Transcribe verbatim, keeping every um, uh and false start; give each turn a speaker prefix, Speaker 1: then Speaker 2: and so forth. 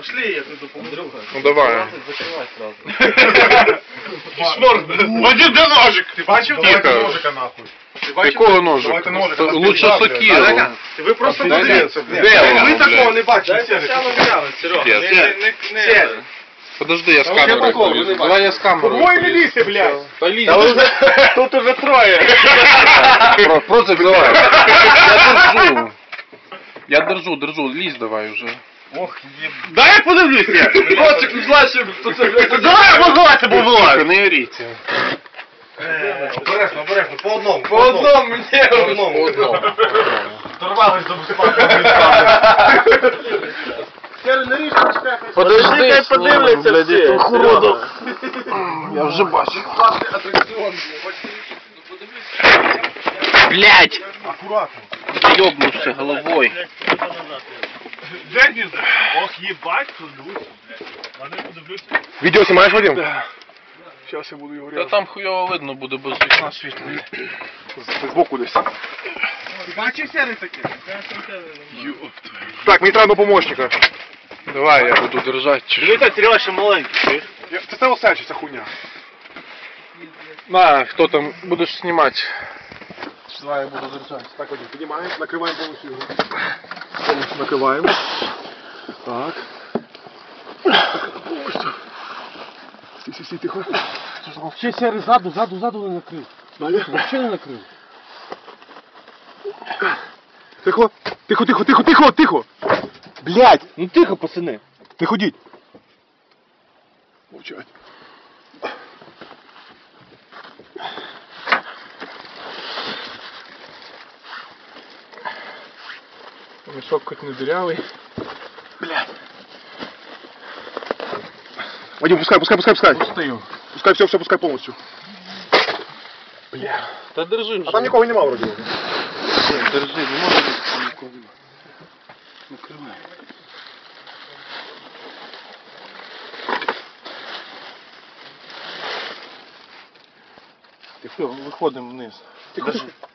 Speaker 1: Пошли, я тут допомогу.
Speaker 2: Ну давай.
Speaker 1: Закривай сразу. Шморг, Вадим, де ножик? Ти бачив?
Speaker 2: Тихо.
Speaker 1: Ножика нахуй.
Speaker 2: Якого ножика? Лучше сокиру.
Speaker 1: Ви просто
Speaker 2: Де
Speaker 1: подивіться,
Speaker 2: воно,
Speaker 1: блядь. Ви
Speaker 2: блядь?
Speaker 1: такого не бачите. Серега.
Speaker 2: Серега. Подожди, я з камерою полізу. Давай я з камерою.
Speaker 1: Двоє не лізьте, блядь.
Speaker 2: Та лізь. Тут уже троє. Просто давай. Я держу. Я держу, держу. Лізь давай уже.
Speaker 1: Ох, єб...
Speaker 2: Дай я подивлюся. Ротик не злачив.
Speaker 1: Давай, позлайте, бо вилазь.
Speaker 2: Не оріть.
Speaker 1: Обережно, обережно, по одному.
Speaker 2: По одному, мені.
Speaker 1: По одному.
Speaker 2: По одному.
Speaker 1: Торвались до безпеки.
Speaker 2: Подожди,
Speaker 1: хай подивляться всі.
Speaker 2: Уроду. Я вже бачу. Блять!
Speaker 1: Аккуратно.
Speaker 2: Ёбнувся головой.
Speaker 1: Денис, ох, ебать, тут дивись. Вони подивлюся.
Speaker 3: Видео снимаешь, Вадим? Да. Сейчас я буду его
Speaker 2: Та
Speaker 3: резать.
Speaker 2: там хуйово видно буде без вікна світло.
Speaker 3: Сбоку десь.
Speaker 1: Бачив серий таке?
Speaker 3: Так, мені треба одного помощника.
Speaker 2: Давай, я буду держати.
Speaker 1: Дивіться, Серега ще маленький.
Speaker 3: Я- Це це селфі, ця хуйня.
Speaker 2: На, хто там будеш знімати? Давай, я буду держати.
Speaker 3: Так, Вадим, піднімаємо, накриваємо повністю його. Повністю накриваємо. Так. Повністю. Стій, стій, стій, тихо.
Speaker 4: Ще сірий ззаду, ззаду, ззаду не накрив.
Speaker 3: Далі.
Speaker 4: Взагалі не накрив.
Speaker 3: Тихо, тихо, тихо, тихо, тихо, тихо. Блядь,
Speaker 4: Ну тихо, пацани.
Speaker 3: не ходіть. Мовчать.
Speaker 2: Мішок хоч не дырявий.
Speaker 3: Вадим, пускай, пускай, пускай, пускай.
Speaker 2: Пустив.
Speaker 3: Пускай все, все, пускай повністю.
Speaker 2: Та держи вже.
Speaker 3: А там нікого нема вроді.
Speaker 2: Держи, не може бути там нікого. Накривай. Все, виходимо вниз.
Speaker 3: Тихо, тихо.